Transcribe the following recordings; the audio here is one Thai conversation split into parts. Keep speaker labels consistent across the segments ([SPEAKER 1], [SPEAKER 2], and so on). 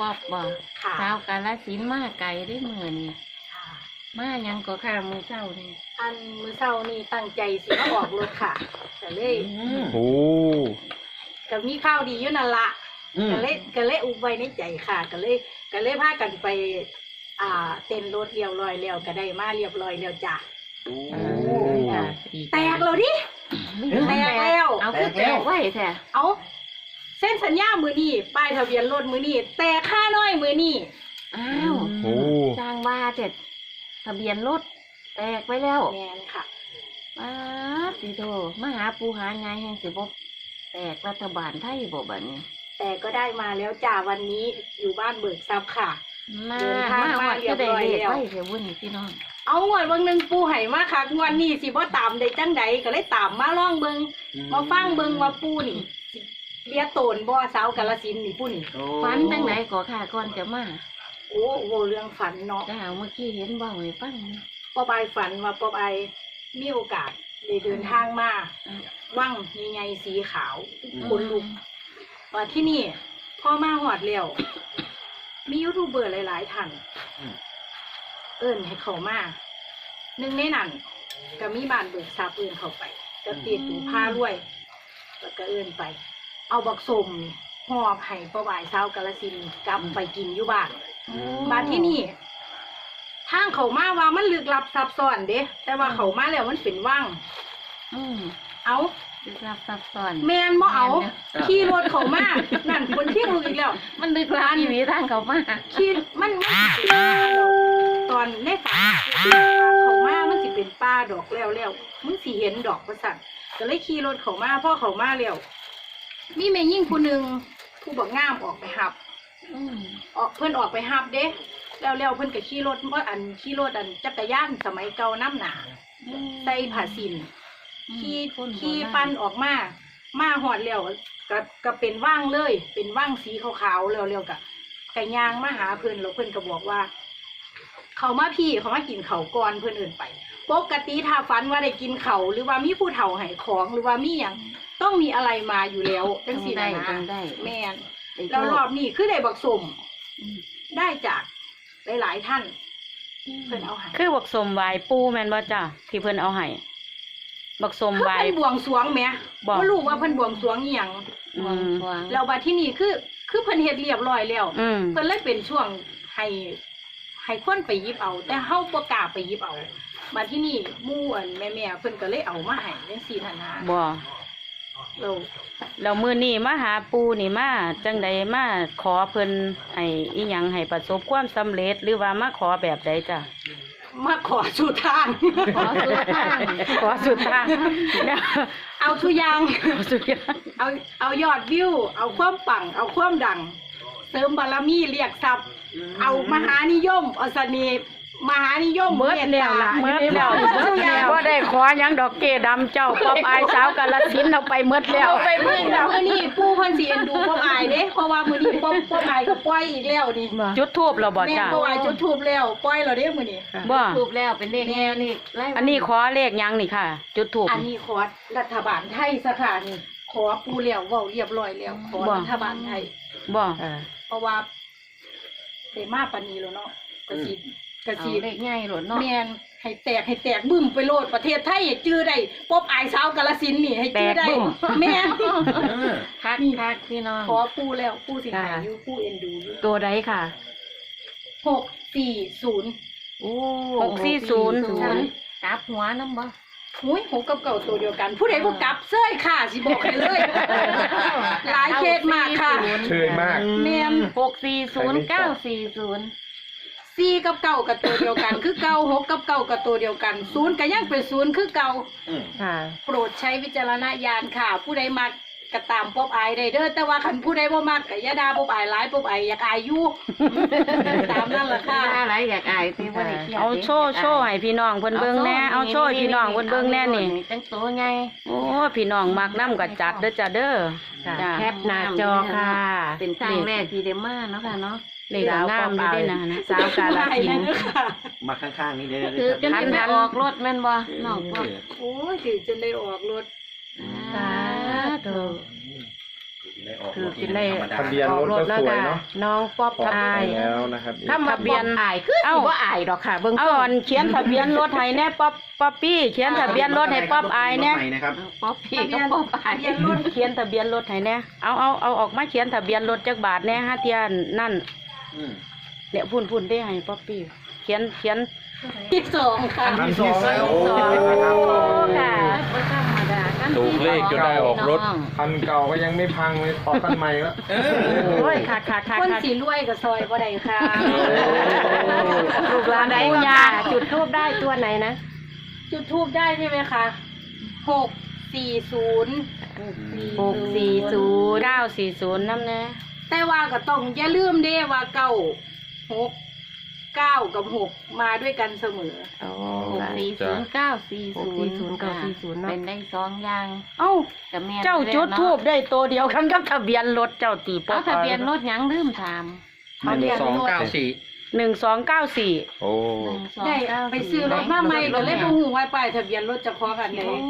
[SPEAKER 1] ป๊อบบ่
[SPEAKER 2] ค่ะ
[SPEAKER 1] สาวกาฬสินธุ์มาไกลได้มื้อนี้
[SPEAKER 2] ค่ะ
[SPEAKER 1] มาหยังก็ค่ะมื้อเช้านี่
[SPEAKER 2] อันมื้อเช้านี่ตั้งใจสิมาออกรถค่ะก็เลย
[SPEAKER 3] โอ้
[SPEAKER 2] ก็มีข้าวดีอยู่นั่นละก็เลยอุบไว้ในใจค่ะก็เลยพากันไปเต้นรถเรียบร้อยแล้วก็ได้มาเรียบร้อยแล้วจ้ะ
[SPEAKER 1] ค่ะ
[SPEAKER 2] แตกแล้วดิแตกแล้ว
[SPEAKER 1] เอาคือแตกไว้แท้
[SPEAKER 2] เอาเส้นสัญญามือนี่ป้ายทะเบียนรถมือนี่แต่ค่าน้อยมือนี่
[SPEAKER 1] อ้าว
[SPEAKER 3] โอ้
[SPEAKER 1] จ้างว่าเจ็ดทะเบียนรถแตกไปแล้ว
[SPEAKER 2] แมนค่ะ
[SPEAKER 1] มาสิโตมาหาปูหายายแห่งสิบ่แตกรัฐบาลไทยบ่บัดนี้
[SPEAKER 2] แต่ก็ได้มาแล้วจ้าวันนี้อยู่บ้านเบิกทรัพย์ค่ะ
[SPEAKER 1] มา
[SPEAKER 2] เดินทางมา
[SPEAKER 1] วัด
[SPEAKER 2] เรีย
[SPEAKER 1] ก็
[SPEAKER 2] บ
[SPEAKER 1] ได้
[SPEAKER 2] ร้อย
[SPEAKER 1] เลข
[SPEAKER 2] แล้ว
[SPEAKER 1] ไว้เสียวุ่นพี่น้อง
[SPEAKER 2] เอางวดวันหนึ่งปูไห่มาค่ะงวดนี้สิบ่ตามได้จังใดก็เลยตามมาล่องเบิงมาฟังเบิงว่าปูนี่สิเลียโตนบ่สาวกาฬสินธุ์นี่ปูนี่
[SPEAKER 1] ฝันจังไหนก็ค่ะก่อนจะมา
[SPEAKER 2] โอ้โหเรื่องฝันเนาะ
[SPEAKER 1] จ้าเมื่อกี้เห็นเว้าให้ฟังนะ
[SPEAKER 2] ป๊อบายฝันว่าป๊อบายมีโอกาสได้เดินทางมาว่างใหญ่ๆสีขาวขนลุกว่าที่นี่พ่อมาหอดแล้วมียูทูบเบอร์หลายๆท่านเอิ้นให้เขามาหนึ่งในนั้นก็มีบ้านเบิกทรัพย์เอิ้นเข้าไปก็ตีตูผ้ารวยแล้วก็เอิ้นไป เอาบักสมหอบให้ป๊อบายสาวกาฬสินธุ์กลับไปกินอยู่บ้านบ้านที่นี่ ทางเขามาว่ามันลึกลับซับซ้อนเด้แต่ว่าเขามาแล้วมันเป็นว่าง
[SPEAKER 1] อืม
[SPEAKER 2] เอา
[SPEAKER 1] ลึกลับซับซ้อน
[SPEAKER 2] แมนบ่เอาขี่รถเขามานั่นคนที่มืออีกแล้ว
[SPEAKER 1] มันลึกลับอีหลีทางเขามา
[SPEAKER 2] ขี่มันตอนในฝันเขามามันสิเป็นป่าดอกแล้วมึงสิเห็นดอกประสันก็เลยขี่รถเขามาพ่อเขามาแล้วมีแม่ยิ่งผู้หนึ่งผู้บอกงามออกไปหับ
[SPEAKER 1] อืม
[SPEAKER 2] เพิ่นออกไปหับเด้แล้วเพิ่นก็ขี่รถเพราะขี่รถจักรยานสมัยเก่าน้ำหนาใส่ผ้าสินขี่ปั้นออกมาหอดแล้วก็เป็นว่างเลย เป็นว่างสีขาวๆแล้วกะยางมาหาเพิ่นแล้วเพิ่นก็บอกว่า เขามาพี่เขามากินเขาก่อนเพิ่นเอิ่นไปปกติถ้าฝันว่าได้กินเขาหรือว่ามีผู้เฒ่าให้ของหรือว่ามีหยังต้องมีอะไรมาอยู่แล้วจังซี่นะ
[SPEAKER 1] จังได้
[SPEAKER 2] แม่นแล้วรอบนี้คือได้บักสม
[SPEAKER 1] อืม
[SPEAKER 2] ได้จากหลายๆท่านเพิ่นเอาให้
[SPEAKER 4] คือบักสมไหวปูแม่นบ่จ้ะที่เพิ่นเอาให้บักสม
[SPEAKER 2] คือ
[SPEAKER 4] ไหว
[SPEAKER 2] เพิ่นบวงสรวงแหม
[SPEAKER 4] บอก
[SPEAKER 2] บ่รู้ว่าเพิ่นบวงสรวงอีหยัง
[SPEAKER 1] หวงหวง
[SPEAKER 2] แล้วบัดที่นี่คือเพิ่นเฮ็ดเรียบร้อยแล้ว
[SPEAKER 4] อืม
[SPEAKER 2] เพิ่นเลยเป็นช่วงให้คนไปหยิบเอา แต่เฮาบ่กล้าไปหยิบเอาบัดที่นี่หมู่แม่ๆเพิ่นก็เลยเอามาให้จังซี่ท่านนะ
[SPEAKER 4] บ่
[SPEAKER 2] เรา
[SPEAKER 4] แล้วมื้อนี้มาหาปูนี่มาจังใดมาขอเพิ่นให้อีหยังให้ประสบความสำเร็จหรือว่ามาขอแบบใดจ้ะ
[SPEAKER 2] มาขอสู่ทาง
[SPEAKER 1] ขอสุดทาง
[SPEAKER 4] ขอสุดทางเนี่ย
[SPEAKER 2] เอาทุกอย่าง
[SPEAKER 4] ขอสุดอย่าง
[SPEAKER 2] เอายอดวิว เอาความปัง เอาความดัง เสริมบารมีเรียกทรัพย์ เอามหานิยมเอาเสน่ห์มหานิยม
[SPEAKER 4] เมิดแล้วล่ะเมิดแล้วบ่ได้ขอหยังดอกเกดำเจ้าป๊อบอายสาวกาฬสินธุ์เอาไปเมิดแล้ว
[SPEAKER 2] ไปมื้อนี้ปู่เพิ่นสิเอ็นดูพ่ออายเด้เพราะว่ามื้อนี้พ่ออายก็ปล่อยอีกแล้วนี่
[SPEAKER 4] จุดทูบแล้วบ่
[SPEAKER 2] แม่
[SPEAKER 4] จ้ะ
[SPEAKER 2] พ่ออายจุดธูปแล้วปล่อยแล้วเด้มื้อนี้
[SPEAKER 4] บ่
[SPEAKER 1] ถูกแล้วเป็นเลขแง่นี่ไล่
[SPEAKER 4] อันนี้ขอเลขหยังนี่ค่ะ จุดทูบ
[SPEAKER 2] อันนี้ขอรัฐบาลไทยซะค่ะนี่ขอปู่แล้วเว้าเรียบร้อยแล้วขอรัฐบาลไทย
[SPEAKER 4] บ่
[SPEAKER 2] เพราะว่าได้มาปานนี้แล้วเนาะกะสิ
[SPEAKER 1] เอาเลขง่ายหลดเนาะ
[SPEAKER 2] แม่นให้แตกบึ้มไปโลดประเทศไทยให้จื้อได้ป๊อบอายสาวกาฬสินธุ์นี่ให้จื้อได้แม่น
[SPEAKER 1] คักคักพี่น้อง
[SPEAKER 2] ขอปู่แล้วปู่สิหายอยู่ปู่เอ็นดูอยู่
[SPEAKER 4] ตัวใดค่ะ
[SPEAKER 2] 640
[SPEAKER 1] โอ้
[SPEAKER 4] 640
[SPEAKER 1] กลับหัวน้ำบ่
[SPEAKER 2] หุ้ยหกกับเก่าตัวเดียวกัน ผู้ใดบ่กลับเซ้ยค่ะสิบอกให้เลยหลายเคสมากค่ะ
[SPEAKER 3] เชยมาก
[SPEAKER 2] แม่น
[SPEAKER 1] 640 940
[SPEAKER 2] 4กับเก่ากับตัวเดียวกัน คือเก่า6กับเก่ากับตัวเดียวกัน0ก็ยังเป็น0คือเก่า
[SPEAKER 4] ค่ะ
[SPEAKER 2] โปรดใช้วิจารณญาณค่ะ ผู้ใดมักก็ตามป๊อบอายได้เด้อแต่ว่าคันผู้ใดบ่มักก็อย่าด่าป๊อบอายหลายป๊อบอายอยากอายอยู่ ตามนั่นล่ะค่ะ
[SPEAKER 1] อะไรอยากอายสิบ่ได้เครียด
[SPEAKER 4] เอาโชว์ให้พี่น้องเพิ่นเบิ่งแหน่เอาโชว์ให้พี่น้องเพิ่นเบิ่งแหน่นี่
[SPEAKER 1] จังโตไง
[SPEAKER 4] โอ้พี่น้องมักน้ำก็จัดเด้อจ้ะเด้อจ้ะ
[SPEAKER 1] แคปหน้าจอค่ะ เป็นครั้งแรกที่ได้มาเนาะค่ะเนาะ
[SPEAKER 4] เลขงามอยู่ด้วยนะสาวกาฬสินธุ์
[SPEAKER 5] มาข้างๆนี่เด้อ
[SPEAKER 1] คือจนได้ออกรถแม่นบ่น้องพวก
[SPEAKER 2] โอ้ยถือจนได้ออกรถ
[SPEAKER 1] สาธุ
[SPEAKER 5] ได้ออก
[SPEAKER 3] คือ
[SPEAKER 5] รถ
[SPEAKER 3] กินได้
[SPEAKER 5] ธรรมดา
[SPEAKER 6] ทะเบียนรถก็สวยเนาะ
[SPEAKER 3] น้องป๊อป
[SPEAKER 6] ออก
[SPEAKER 3] อาย
[SPEAKER 6] ไปแล้วนะครับ
[SPEAKER 3] ถ้ามา
[SPEAKER 4] ทะเบียน
[SPEAKER 3] อายคือสิว่าอายดอกค่ะเบิ่ง
[SPEAKER 4] เอาอันเขียนทะเบียนรถให้แน่ป๊อปปี้เขียนทะเบียนรถให้ป๊อปอายแน่
[SPEAKER 5] รถใหม่นะครับ
[SPEAKER 1] ป๊อปพี่ก็ป๊อปอาย
[SPEAKER 2] ทะเบียนรถ
[SPEAKER 4] เขียนทะเบียนรถให้แน่เอาออกมาเขียนทะเบียนรถจักบาทแน่ฮะเทียนนั่น
[SPEAKER 5] อืม
[SPEAKER 4] เนี่ยพุ่นได้ให้ป๊อปปี้เขียน
[SPEAKER 2] ที่สองค่ะ
[SPEAKER 6] อันที่สอง
[SPEAKER 1] โอ้
[SPEAKER 4] ค่ะ
[SPEAKER 1] บ่ธรรมดากัน
[SPEAKER 7] ถูกเลขจนได้ออกรถ
[SPEAKER 6] คันเก่าก็ยังไม่พังเลยออกคันใหม่แล้ว
[SPEAKER 4] โอ้ยค่ะ
[SPEAKER 2] คนสีรวยกับซอยบ่ได้ค่ะ
[SPEAKER 4] ลูกหลานได้
[SPEAKER 3] ปู
[SPEAKER 4] ยา
[SPEAKER 3] ย่าจุดทูบได้ตัวไหนนะ
[SPEAKER 2] จุดทูบได้ใช่ไหมคะ640
[SPEAKER 4] 640 940น้ำแน่
[SPEAKER 2] แต่ว่าก็ต้องอย่าลืมเด้ว่า9 6 9 กับ 6 มาด้วยกันเสมอ
[SPEAKER 3] โอ้
[SPEAKER 1] 640 940
[SPEAKER 3] 640
[SPEAKER 1] เป็นได้สองอย่าง
[SPEAKER 4] เอ้า
[SPEAKER 1] กับแม่น
[SPEAKER 4] เจ้าจุด
[SPEAKER 1] แล้ว
[SPEAKER 4] ทูบ
[SPEAKER 1] เนาะ
[SPEAKER 4] ได้ตัวเดียวกันกับทะเบียนรถเจ้าตีป๊อ
[SPEAKER 1] เอา
[SPEAKER 4] ป
[SPEAKER 1] ทะเบียนรถหยังลืมถาม
[SPEAKER 4] 1294
[SPEAKER 7] โอ้
[SPEAKER 2] ได้
[SPEAKER 1] 1294
[SPEAKER 2] ไปซื้อรถมาใหม่ก็เลยบ่ฮู้ว่าป้ายทะเบียนรถเจะพอกันไหน
[SPEAKER 1] โอ้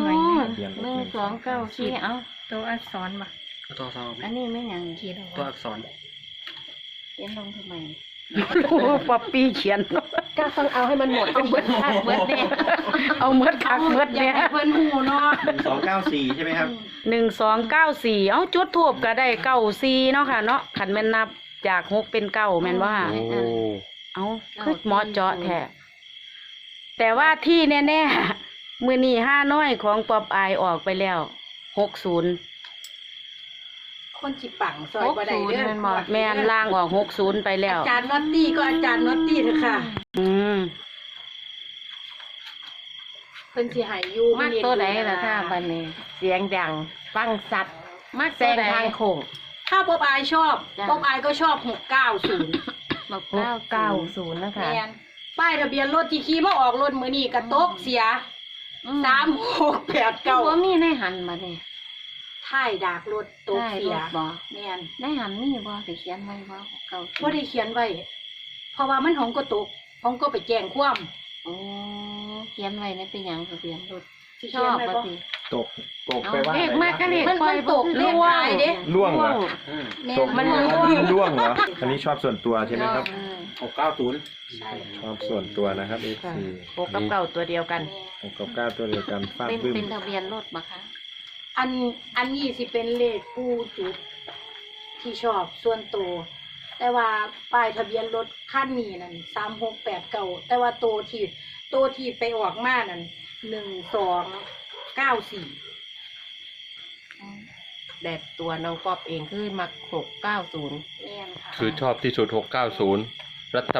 [SPEAKER 1] 1294เอา
[SPEAKER 3] ตัวอักษรบ่
[SPEAKER 5] ตัวสอง
[SPEAKER 1] อันนี้ไม่หยัง
[SPEAKER 3] เขียนเอา
[SPEAKER 5] ตัวอักษร
[SPEAKER 1] เขียนลงทำไม
[SPEAKER 4] ป๊อปปี้เขียน
[SPEAKER 3] ก็ต้องเอาให้มันหมด
[SPEAKER 1] เอาเบิดคักเบิดแน่
[SPEAKER 4] เอาเมดคักเมด
[SPEAKER 2] อยาก
[SPEAKER 4] เนี่ย
[SPEAKER 2] ให้เพิ่นฮู้เนาะ
[SPEAKER 5] 1294ใช่ไหมครับ
[SPEAKER 4] 1294เอาจุดทูบก็ได้94เนาะค่ะเนาะคันแม่นนับจาก6เป็น9แม่นบ่ค่ะ
[SPEAKER 7] โอ้
[SPEAKER 4] เอาคือหมอเจาะแท้แต่ว่าที่แน่ๆมื้อนี้5น้อยของป๊อปอายออกไปแล้ว60
[SPEAKER 2] คนสิปังซอยบ่ได้เด้อ
[SPEAKER 4] แม่นล่างออก60ไปแล้ว
[SPEAKER 2] อาจารย์น็อตตี้ก็อาจารย์น็อตตี้เถอะค่ะ
[SPEAKER 4] อืม
[SPEAKER 2] เพิ่นสิให้อยู่
[SPEAKER 1] มักตัวใดล่ะค่ะบัดนี้
[SPEAKER 3] เสียงดังฟังสัตว์
[SPEAKER 1] มัก
[SPEAKER 3] แซ
[SPEAKER 1] ตัว
[SPEAKER 3] ง
[SPEAKER 1] ใด
[SPEAKER 3] ทางโค้ง
[SPEAKER 2] ถ้าป๊อบอายชอบ
[SPEAKER 1] จ้ะ
[SPEAKER 2] ป๊อบอายก็ชอบ690
[SPEAKER 1] บัก
[SPEAKER 3] 690นะคะ
[SPEAKER 2] แม่นป้ายทะเบียนรถที่ขี่มาออกรถมื้อนี้กระตกเสีย
[SPEAKER 1] ก็บ่
[SPEAKER 2] 3689
[SPEAKER 1] มีในหันมาเด้
[SPEAKER 2] ท้ายดากรถตก
[SPEAKER 1] ได้
[SPEAKER 2] เสี
[SPEAKER 1] ร
[SPEAKER 2] ย
[SPEAKER 1] ถบ่
[SPEAKER 2] แม่น
[SPEAKER 1] ในหันมีบ่สิเขียนไว้บ่เก่า
[SPEAKER 2] บ่ได้เขียนไว้ เพราะว่ามันของก็ตกของก็ไปแจ้งความ
[SPEAKER 1] โอ้เขียนไว้ในเป็นหยังทะเบียนรถ
[SPEAKER 2] สิ
[SPEAKER 1] ช
[SPEAKER 2] เขี
[SPEAKER 1] อย
[SPEAKER 2] น
[SPEAKER 1] บ
[SPEAKER 2] ไว้
[SPEAKER 1] บ่
[SPEAKER 2] บ่
[SPEAKER 1] สิ
[SPEAKER 6] ตก
[SPEAKER 1] เอา
[SPEAKER 6] ไปว่า
[SPEAKER 1] เลขมากก็เลข
[SPEAKER 2] มัน
[SPEAKER 1] ปล่อย
[SPEAKER 2] ตกเลขท้ายเด้
[SPEAKER 6] ล่วงเหรอ
[SPEAKER 5] อืม
[SPEAKER 2] แม่
[SPEAKER 6] ตก
[SPEAKER 2] มัน
[SPEAKER 6] ล่วงเหรอ อันนี้ชอบส่วนตัวใช่ไหมครับ
[SPEAKER 5] 690
[SPEAKER 2] ใช่
[SPEAKER 6] ชอบส่วนตัวนะครับ
[SPEAKER 3] ค่ะ
[SPEAKER 6] FC
[SPEAKER 3] 6กับ9ตัวเดียวกัน
[SPEAKER 6] 6กับ9ตัวเดียวกันฟาด
[SPEAKER 1] เป็น
[SPEAKER 6] บึ้ม
[SPEAKER 1] เป็นทะเบียนรถบ่คะ
[SPEAKER 2] อันนี้สิเป็นเลขผู้จุดที่ชอบส่วนตัวแต่ว่าป้ายทะเบียนรถคันนี้นั่น3689แต่ว่าตัวที่ไปออกมานั่น1294
[SPEAKER 3] แต่ตัวน้องป๊อปเองคือมัก690
[SPEAKER 2] แม่นค่ะ
[SPEAKER 7] คือชอบที่สุด 690 รัฐ